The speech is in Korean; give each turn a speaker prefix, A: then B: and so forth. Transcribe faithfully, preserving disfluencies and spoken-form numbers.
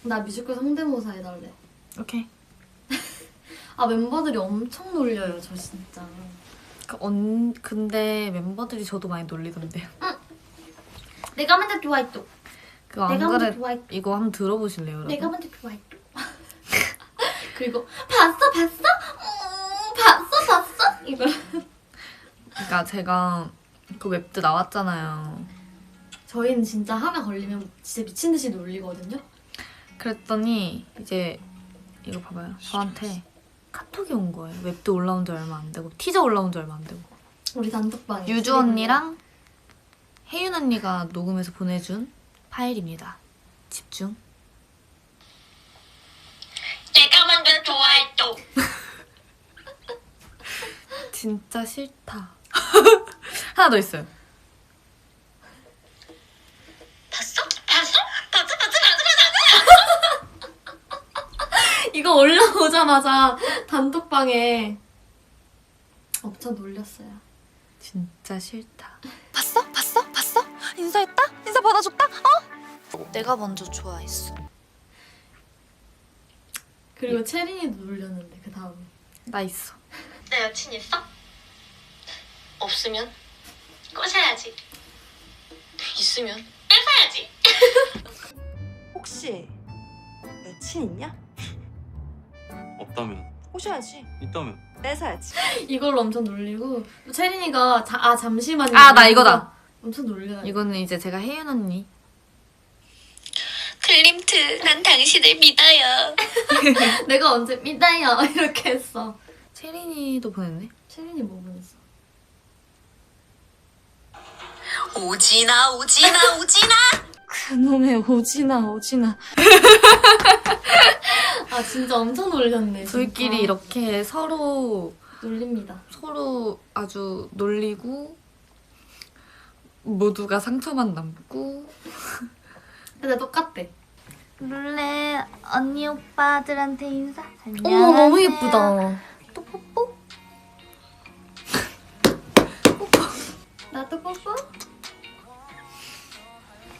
A: 나 뮤지컬 성대모사 해달래.
B: 오케이.
A: 아 멤버들이 엄청 놀려요 저 진짜.
B: 그 언, 근데 멤버들이 저도 많이 놀리던데요.
A: 응. 내가 먼저 좋아했죠.
B: 그거 안
A: 내가
B: 그래.
A: 먼저 좋아했죠.
B: 이거 한번 들어보실래요, 여러분?
A: 내가 먼저 좋아했죠. 그리고 봤어 봤어? 음, 봤어 봤어? 이거.
B: 그러니까 제가 그 웹드 나왔잖아요.
A: 저희는 진짜 하나 걸리면 진짜 미친 듯이 놀리거든요.
B: 그랬더니 이제 이거 봐봐요. 저한테 카톡이 온 거예요. 웹드 올라온 지 얼마 안 되고 티저 올라온 지 얼마 안 되고.
A: 우리 단톡방에
B: 유주 언니랑 혜윤 언니가 녹음해서 보내준 파일입니다. 집중.
C: 내가 먼저 좋아했죠.
B: 진짜 싫다. 하나 더 있어요.
C: 봤어? 봤어? 봤어? 봤어? 봤어? 봤어?
A: 이거 올라오자마자 단톡방에 엄청 놀렸어요.
B: 진짜 싫다.
D: 봤어? 봤어? 봤어? 인사했다? 인사 받아줬다? 어? 내가 먼저 좋아했어.
A: 그리고 체린이도 놀렸는데 그 다음에.
B: 나 있어.
C: 내 여친 있어? 없으면 꼬셔야지. 있으면 뺏어야지.
E: 혹시 여친 있냐?
F: 없다면
E: 꼬셔야지.
F: 있다면
E: 뺏어야지.
A: 이걸로 엄청 놀리고 체린이가 자, 아 잠시만요.
B: 아, 나 이거다.
A: 엄청 놀려요.
B: 이거는 이제 제가 혜윤 언니.
C: 클림트, 난 당신을 믿어요.
A: 내가 언제 믿어요 이렇게 했어.
B: 체린이도 보냈네.
A: 체린이 뭐 보냈어?
C: 오지나 오지나 오지나.
A: 그놈의 오지나 오지나. 아 진짜 엄청 놀렸네.
B: 저희끼리
A: 진짜.
B: 이렇게 서로
A: 놀립니다.
B: 서로 아주 놀리고 모두가 상처만 남고.
A: 근데 똑같대.
D: 룰레 언니 오빠들한테 인사.
A: 어머 너무 예쁘다.